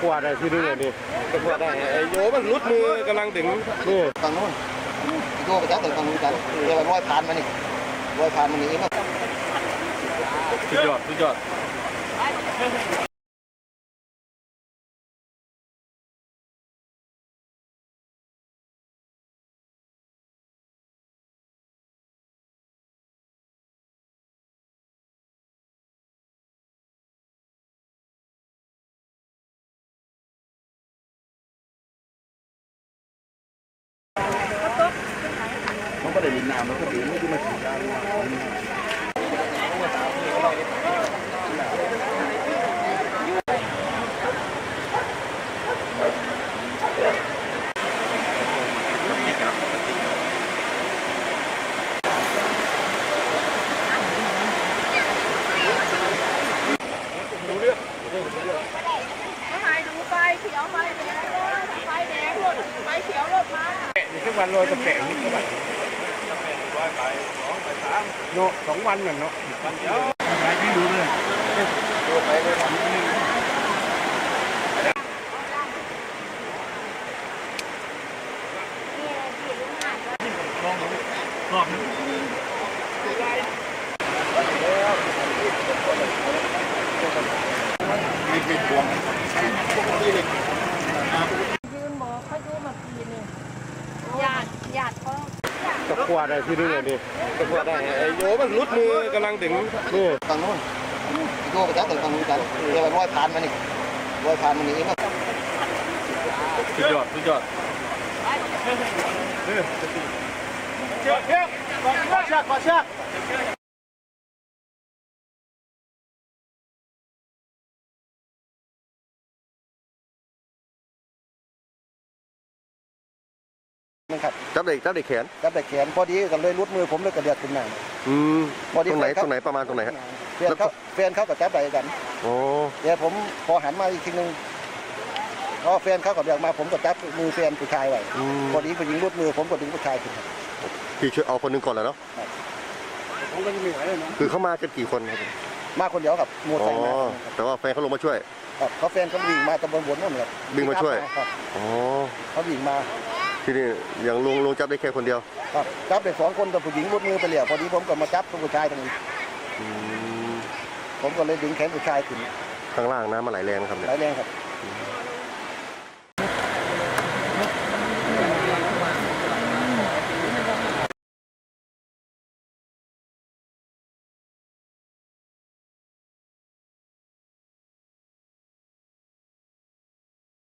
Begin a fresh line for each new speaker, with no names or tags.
วาดได้ที่นี่เลยดิ
ตะกัวได้ไอ้โยมันรุดมือกำลังถึง
นี่
ฝั่งนู้นโยไปจับแต่ฝั่งนู้นกันเดี๋ยวร้อยผ่านมานี่ร้อยผ่านมานี่เอง
สุดยอดสุดยอดมันก็ได้ดินน้ำมันก็ดีไม่ได้มาถึงการ
ไฟเขียวไฟแดงไฟแดงรถไฟเขียวรถมา
ทุกวันโรยกระแปงนี่ก็แบบโน2 วันน่ะเนาะไปไม่ดูเลยไปเลยรอบนึงมีพวง
ยืนบอกเขาดูมาปีนึงญาติเขา
ตะกัวได้ที่นี่เลยดิ
ตะกัวได้ไอ้โยมันรุดมือกำลังถึง
นี่
ฝั่งนู้นโยไปจับแต่ฝั่งนู้นกันเดี๋ยวร้อยผ่านมานี่ร้อยผ่านมานี่เอง
สุดยอดสุดยอด
เชือกเชือกขอเชือกขอเชือก
นะครับ
จับเด็กแขน
จับแต่แขนพอดีกันเลยรุดมือผมเลยกระเดือกขึ้นมา
ตรงไหนประมาณตรงไหนฮะ
แฟนเขากับจับใดกัน
โอ้
เดี๋ยวผมพอหันมาอีกทีนึงพอแฟนเขากับเดือกมาผมก็จับมือแฟนผู้ชายไว้พอดีผู้หญิงรุดมือผมก็ดึงผู้ชายขึ้น
พี่ช่วยเอาคนหนึ่งก่อนแล้วเนาะ
ผมก็ยังไม่ไหวเลยเนาะ
คือเขามากันกี่คนครับ
มาคนเดียวกับมอเตอร์ไซค์มา
แต่ว่าแฟนเขาลงมาช่วย
ครับเขาแฟนเขาวิ่งมาตะบนบนนั่นแหละ
วิ่งมาช่วย
ครับ
อ๋อ
เขาวิ่งมา
ที่นี่อย่างลุงจับได้แค่คนเดียว
ครับจับไป2 คนแต่ผู้หญิงรุดมือไปเหลี่ยพอดีผมก็มาจับผู้ชายตรงนี้ผมก็เลยดึงแขนผู้ชายขึ้น
ข้างล่างน้ำมันไหลแรงครับเนี่ย
ไหลแรงครับ